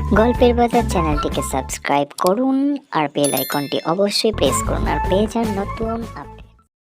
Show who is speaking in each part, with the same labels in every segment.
Speaker 1: গল্পের বাজার চ্যানেলটিকে সাবস্ক্রাইব করুন আর বেল আইকনটি অবশ্যই প্রেস করুন আর পেয়ে যান নতুন আপডেট।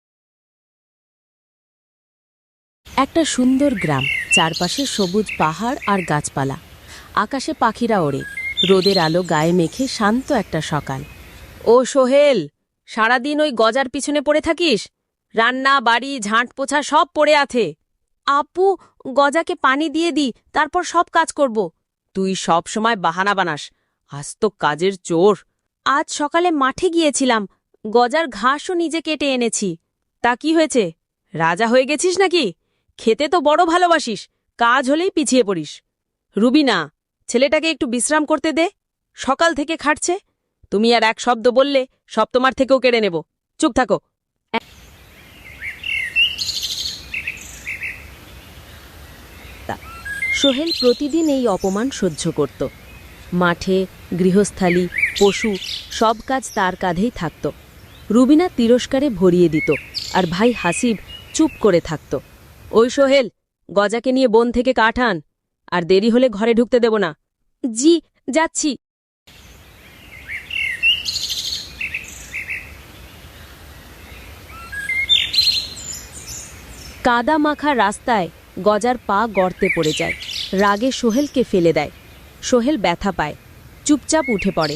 Speaker 2: একটা সুন্দর গ্রাম, চারপাশে সবুজ পাহাড় আর গাছপালা। আকাশে পাখিরা ওড়ে, রোদের আলো গায়ে মেখে শান্ত একটা সকাল। ও সোহেল, সারাদিন ওই গজার পিছনে পড়ে থাকিস? রান্না, বাড়ি, ঝাঁট পোছা সব পড়ে আছে। আপু, গজাকে পানি দিয়ে দি, তারপর সব কাজ করব। তুই সব সময় বাহানা বানাস, আজ তো কাজের চোর। আজ সকালে মাঠে গিয়েছিলাম, গজার ঘাসও নিজে কেটে এনেছি। তা কি হয়েছে, রাজা হয়ে গেছিস নাকি? খেতে তো বড় ভালোবাসিস, কাজ হলেই পিছিয়ে পড়িস। রুবিনা, ছেলেটাকে একটু বিশ্রাম করতে দে, সকাল থেকে খাটছে। তুমি আর এক শব্দ বললে সব তোমার থেকেও কেড়ে নেব। চুপ থাকো। সোহেল প্রতিদিন এই অপমান সহ্য করত। মাঠে, গৃহস্থালী, পশু সব কাজ তার কাঁধেই থাকত। রুবিনা তিরস্কারে ভরিয়ে দিত, আর ভাই হাসিব চুপ করে থাকত। ওই সোহেল, গজাকে নিয়ে বন থেকে কাঠ আন, আর দেরি হলে ঘরে ঢুকতে দেব না। জি, যাচ্ছি। কাদা মাখা রাস্তায় গজার পা গর্তে পড়ে যায়। রাগে সোহেলকে ফেলে দেয়। সোহেল ব্যথা পায়, চুপচাপ উঠে পড়ে।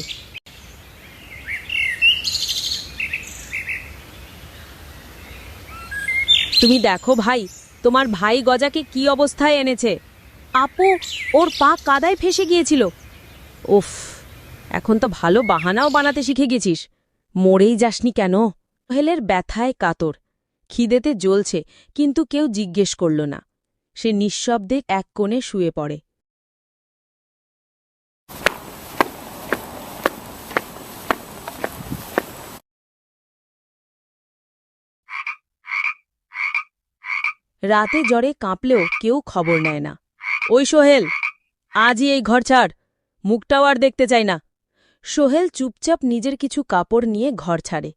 Speaker 2: তুমি দেখো ভাই, তোমার ভাই গজাকে কি অবস্থায় এনেছে। আপু, ওর পা কাদায় ফেসে গিয়েছিল। উফ, এখন তো ভালো বাহানাও বানাতে শিখে গেছিস। মরেই যাসনি কেন? সোহেলের ব্যথায় কাতর, খিদেতে জ্বলছে, কিন্তু কেউ জিজ্ঞেস করল না। সে নিঃশব্দে এক কোণে শুয়ে পড়ে। রাতে জ্বরে কাঁপলেও কেউ খবর নেয় না। ওই সোহেল, আজই এই ঘর ছাড়, মুখটাও আর দেখতে চাই না। সোহেল চুপচাপ নিজের কিছু কাপড় নিয়ে ঘর ছাড়ে।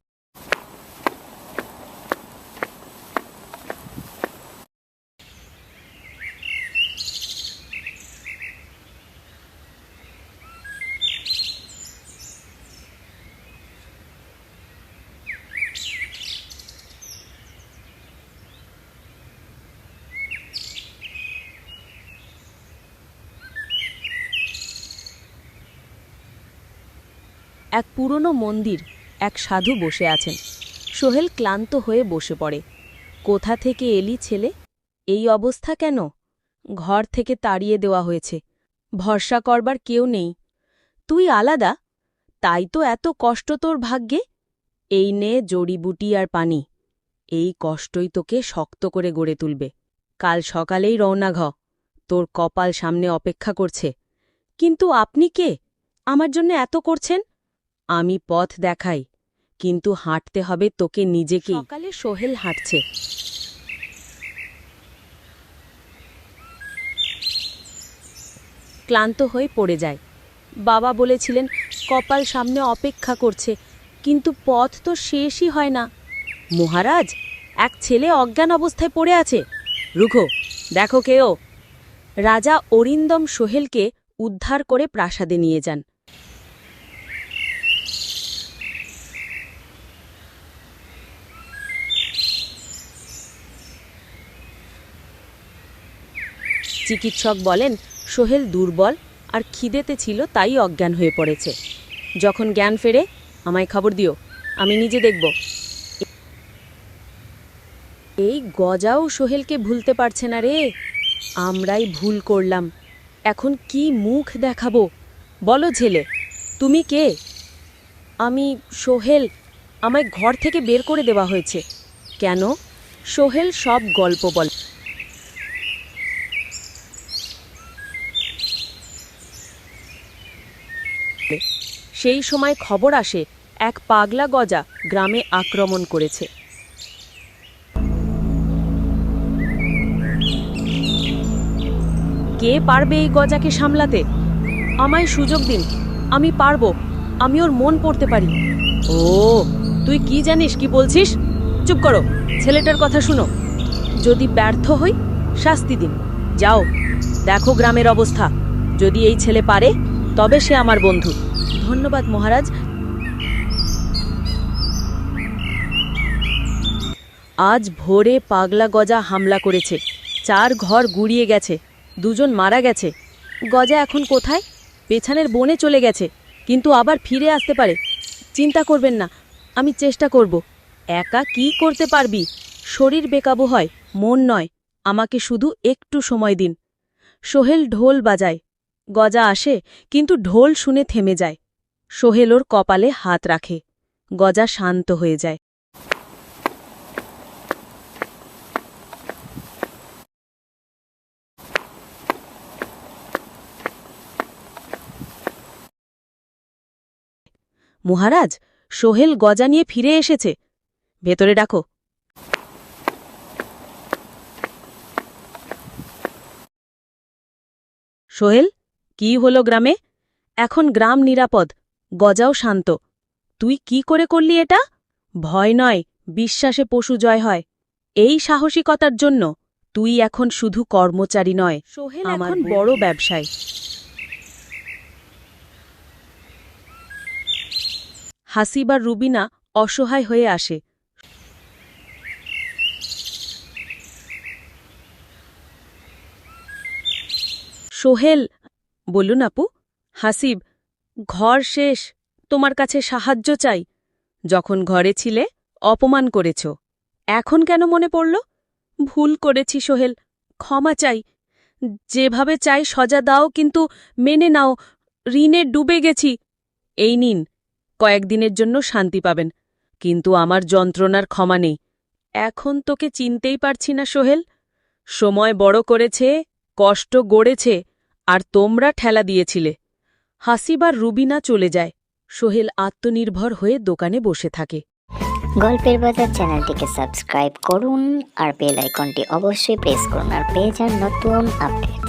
Speaker 2: এক পুরনো মন্দির, এক সাধু বসে আছেন। সোহেল ক্লান্ত হয়ে বসে পড়ে। কোথা থেকে এলি ছেলে? এই অবস্থা কেন? ঘর থেকে তাড়িয়ে দেওয়া হয়েছে, ভরসা করবার কেউ নেই। তুই আলাদা, তাই তো এত কষ্ট তোর ভাগ্যে। এই নে জড়িবুটি আর পানি, এই কষ্টই তোকে শক্ত করে গড়ে তুলবে। কাল সকালেই রওনা ঘ, তোর কপাল সামনে অপেক্ষা করছে। কিন্তু আপনি কে, আমার জন্য এত করছেন? আমি পথ দেখাই, কিন্তু হাঁটতে হবে তোকে নিজেকেই। সকালে সোহেল হাঁটছে। ক্লান্ত হয়ে পড়ে যায়। বাবা বলেছিলেন কপাল সামনে অপেক্ষা করছে, কিন্তু পথ তো শেষই হয় না। মহারাজ, এক ছেলে অজ্ঞান অবস্থায় পড়ে আছে, রুখো, দেখো কেও। রাজা অরিন্দম সোহেলকে উদ্ধার করে প্রাসাদে নিয়ে যান। চিকিৎসক বলেন সোহেল দুর্বল আর খিদেতে ছিল, তাই অজ্ঞান হয়ে পড়েছে। যখন জ্ঞান ফেরে আমায় খবর দিও, আমি নিজে দেখব। এই গজাও সোহেলকে ভুলতে পারছে না রে। আমরাই ভুল করলাম, এখন কি মুখ দেখাবো? বলো ছেলে, তুমি কে? আমি সোহেল, আমায় ঘর থেকে বের করে দেওয়া হয়েছে। কেন? সোহেল সব গল্প বলে। সেই সময় খবর আসে এক পাগলা গজা গ্রামে আক্রমণ করেছে। কে পারবে এই গজাকে সামলাতে? আমায় সুযোগ দিন, আমি পারবো, আমি ওর মন পড়তে পারি। ও, তুই কি জানিস কি বলছিস? চুপ করো, ছেলেটার কথা শুনো। যদি ব্যর্থ হই, শাস্তি দিন। যাও, দেখো গ্রামের অবস্থা। যদি এই ছেলে পারে, তবে সে আমার বন্ধু। ধন্যবাদ মহারাজ। আজ ভোরে পাগলা গজা হামলা করেছে, 4 ঘর গুড়িয়ে গেছে, 2 জন মারা গেছে। গজা এখন কোথায়? পেছনের বনে চলে গেছে, কিন্তু আবার ফিরে আসতে পারে। চিন্তা করবেন না, আমি চেষ্টা করব। একা কি করতে পারবি? শরীর বেকাবু হয়, মন নয়। আমাকে শুধু একটু সময় দিন। সোহেল ঢোল বাজায়। গজা আসে, কিন্তু ঢোল শুনে থেমে যায়। সোহেল ওর কপালে হাত রাখে। গজা শান্ত হয়ে যায়। মহারাজ, সোহেল গজা নিয়ে ফিরে এসেছে। ভেতরে ডাকো। সোহেল, কি হলো গ্রামে? এখন গ্রাম নিরাপদ, গজাও শান্ত। তুই কি করে করলি এটা? ভয় নয়, বিশ্বাসে পশু জয় হয়। এই সাহসিকতার জন্য তুই এখন শুধু কর্মচারী নয়, সোহেল এখন বড় ব্যবসায়ী। হাসিব আর রুবিনা অসহায় হয়ে আসে। সোহেল, বলুন আপু। হাসিব, ঘর শেষ, তোমার কাছে সাহায্য চাই। যখন ঘরে ছিলে অপমান করেছ, এখন কেন মনে পড়ল? ভুল করেছি সোহেল, ক্ষমা চাই। যেভাবে চাই সজা দাও, কিন্তু মেনে নাও, ঋণে ডুবে গেছি। এই নিন, কয়েকদিনের জন্য শান্তি পাবেন, কিন্তু আমার যন্ত্রণার ক্ষমা নেই। এখন তোকে চিনতেই পারছি না সোহেল। সময় বড় করেছে, কষ্ট গড়েছে, আর তোমরা ঠেলা দিয়েছিলে। হাসিব আর রুবিনা চলে যায়। সোহেল আত্মনির্ভর হয়ে দোকানে বসে থাকে।
Speaker 1: গল্পের বাজার চ্যানেলটিকে সাবস্ক্রাইব করুন আর বেল আইকনটি অবশ্যই প্রেস করুন আর পেয়ে যান নতুন আপডেট।